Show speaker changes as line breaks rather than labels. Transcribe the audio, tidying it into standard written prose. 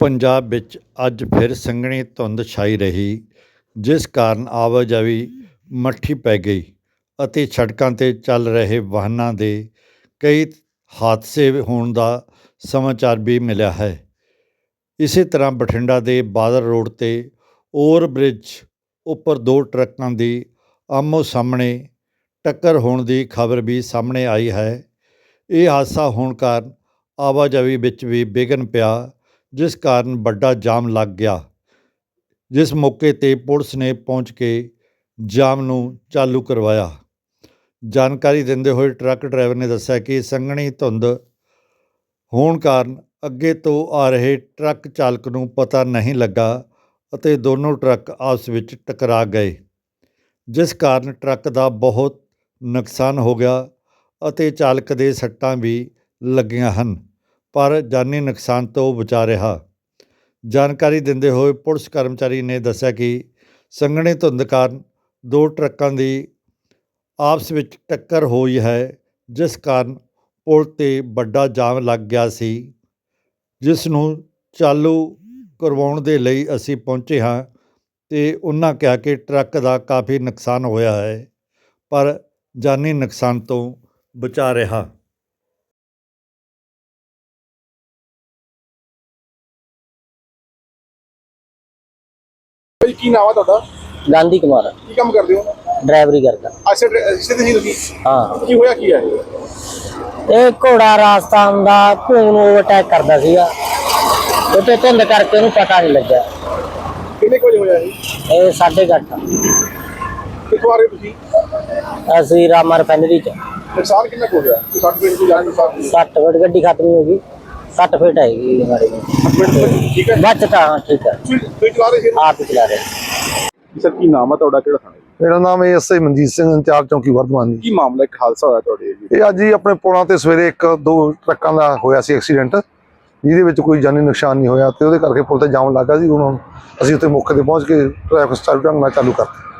ਪੰਜਾਬ ਵਿੱਚ ਅੱਜ ਫਿਰ ਸੰਘਣੀ ਧੁੰਦ ਛਾਈ ਰਹੀ, ਜਿਸ ਕਾਰਨ ਆਵਾਜਾਈ ਮੱਠੀ ਪੈ ਗਈ ਅਤੇ ਸੜਕਾਂ 'ਤੇ ਚੱਲ ਰਹੇ ਵਾਹਨਾਂ ਦੇ ਕਈ ਹਾਦਸੇ ਹੋਣ ਦਾ ਸਮਾਚਾਰ ਵੀ ਮਿਲਿਆ ਹੈ। ਇਸੇ ਤਰ੍ਹਾਂ ਬਠਿੰਡਾ ਦੇ ਬਾਦਲ ਰੋਡ 'ਤੇ ਓਵਰ ਬ੍ਰਿਜ ਉੱਪਰ ਦੋ ਟਰੱਕਾਂ ਦੀ ਆਮੋ ਸਾਹਮਣੇ ਟੱਕਰ ਹੋਣ ਦੀ ਖਬਰ ਵੀ ਸਾਹਮਣੇ ਆਈ ਹੈ। ਇਹ ਹਾਦਸਾ ਹੋਣ ਕਾਰਨ ਆਵਾਜਾਈ ਵਿੱਚ ਵੀ ਵਿਘਨ ਪਿਆ, ਜਿਸ ਕਾਰਨ ਵੱਡਾ ਜਾਮ ਲੱਗ ਗਿਆ। ਜਿਸ ਮੌਕੇ 'ਤੇ ਪੁਲਿਸ ਨੇ ਪਹੁੰਚ ਕੇ ਜਾਮ ਨੂੰ ਚਾਲੂ ਕਰਵਾਇਆ। ਜਾਣਕਾਰੀ ਦਿੰਦੇ ਹੋਏ ਟਰੱਕ ਡਰਾਈਵਰ ਨੇ ਦੱਸਿਆ ਕਿ ਸੰਘਣੀ ਧੁੰਦ ਹੋਣ ਕਾਰਨ ਅੱਗੇ ਤੋਂ ਆ ਰਹੇ ਟਰੱਕ ਚਾਲਕ ਨੂੰ ਪਤਾ ਨਹੀਂ ਲੱਗਾ ਅਤੇ ਦੋਨੋਂ ਟਰੱਕ ਆਪਸ ਵਿੱਚ ਟਕਰਾ ਗਏ, ਜਿਸ ਕਾਰਨ ਟਰੱਕ ਦਾ ਬਹੁਤ ਨੁਕਸਾਨ ਹੋ ਗਿਆ ਅਤੇ ਚਾਲਕ ਦੇ ਸੱਟਾਂ ਵੀ ਲੱਗੀਆਂ ਹਨ, ਪਰ ਜਾਨੀ ਨੁਕਸਾਨ ਤੋਂ ਬਚਾ ਰਿਹਾ। ਜਾਣਕਾਰੀ ਦਿੰਦੇ ਹੋਏ ਪੁਲਿਸ ਕਰਮਚਾਰੀ ਨੇ ਦੱਸਿਆ ਕਿ ਸੰਘਣੀ ਧੁੰਦ ਕਾਰਨ ਦੋ ਟਰੱਕਾਂ ਦੀ ਆਪਸ ਵਿੱਚ ਟੱਕਰ ਹੋਈ ਹੈ, ਜਿਸ ਕਾਰਨ ਪੁਲ 'ਤੇ ਵੱਡਾ ਜਾਮ ਲੱਗ ਗਿਆ ਸੀ, ਜਿਸ ਨੂੰ ਚਾਲੂ ਕਰਵਾਉਣ ਦੇ ਲਈ ਅਸੀਂ ਪਹੁੰਚੇ ਹਾਂ ਤੇ ਉਹਨਾਂ ਕਿਹਾ ਕਿ ਟਰੱਕ ਦਾ ਕਾਫੀ ਨੁਕਸਾਨ ਹੋਇਆ ਹੈ, ਪਰ ਜਾਨੀ ਨੁਕਸਾਨ ਤੋਂ ਬਚਾ ਰਿਹਾ।
ਕੀ ਨਾਮ ਹੈ ਤੁਹਾਡਾ?
ਗਾਂਧੀ ਕੁਮਾਰ।
ਕੀ ਕੰਮ ਕਰਦੇ ਹੋ?
ਡਰਾਈਵਰੀ ਕਰਦਾ।
ਅੱਛਾ, ਇਸੇ ਤੇ ਤੁਸੀਂ?
ਹਾਂ।
ਕੀ ਹੋਇਆ, ਕੀ ਹੈ?
ਇਹ ਘੋੜਾ ਰਾਜਸਥਾਨ ਦਾ ਘੋਂ ਨੂੰ ਓਵਰਟੇਕ ਕਰਦਾ ਸੀਗਾ, ਉੱਤੇ ਧੁੰਦ ਕਰਕੇ ਉਹਨੂੰ ਪਤਾ ਨਹੀਂ ਲੱਗਿਆ।
ਕਿੰਨੇ ਕੁ ਵਜੇ ਹੋਇਆ ਇਹ?
ਇਹ 8:30।
ਕਿੱਥੋਂ ਆ ਰਹੇ ਤੁਸੀਂ?
ਅਸੀਂ ਰਾਮਾ ਰਿਫਾਈਨਰੀ ਚ।
ਨੁਕਸਾਨ ਕਿੰਨਾ ਕੁ ਹੋ ਗਿਆ? 60 ਫੀਟ ਦੀ ਜਾਨ ਨੁਕਸਾਨ?
60 ਫੁੱਟ ਗੱਡੀ ਖਤਮ ਹੋ ਗਈ। 60 ਫੁੱਟ ਹੈਗੀ ਹਮਾਰੀ।
ਠੀਕ ਹੈ,
ਬਚ ਤਾਂ ਹਾਂ, ਠੀਕ ਹੈ।
ਤੁਸੀਂ ਚਲਾ ਰਹੇ ਸੀ?
ਆਪ ਹੀ ਚਲਾ ਰਹੇ।
ਸਰ, ਕੀ ਨਾਮ ਹੈ ਤੁਹਾਡਾ? ਕਿਹੜਾ ਥਾਣਾ?
ਮੇਰਾ ਨਾਮ ਹੈ ਐਸਆਈ ਮਨਜੀਤ ਸਿੰਘ, ਇੰਚਾਰਜ ਚੌਂਕੀ ਵਰਧਮਾਨ ਜੀ।
ਕੀ ਮਾਮਲਾ? ਇੱਕ ਹਾਦਸਾ ਹੋਇਆ ਤੁਹਾਡੇ ਜੀ?
ਇਹ ਅੱਜ ਹੀ ਆਪਣੇ ਪੁਲਾਂ ਤੇ ਸਵੇਰੇ ਦੋ ਟਰੱਕਾਂ ਦਾ ਹੋਇਆ ਸੀ ਐਕਸੀਡੈਂਟ, ਜਿਹਦੇ ਵਿੱਚ ਕੋਈ ਜਾਨੀ ਨੁਕਸਾਨ ਨਹੀਂ ਹੋਇਆ ਤੇ ਉਹਦੇ ਕਰਕੇ ਪੁਲ ਤੇ ਜਾਮ ਲੱਗਾ ਸੀ। ਹੁਣ ਅਸੀਂ ਉੱਥੇ ਮੌਕੇ ਤੇ ਪਹੁੰਚ ਕੇ ਟ੍ਰੈਫਿਕ ਸਟਾਰਟ ਢੰਗ ਨਾਲ ਚਾਲੂ ਕਰਤਾ।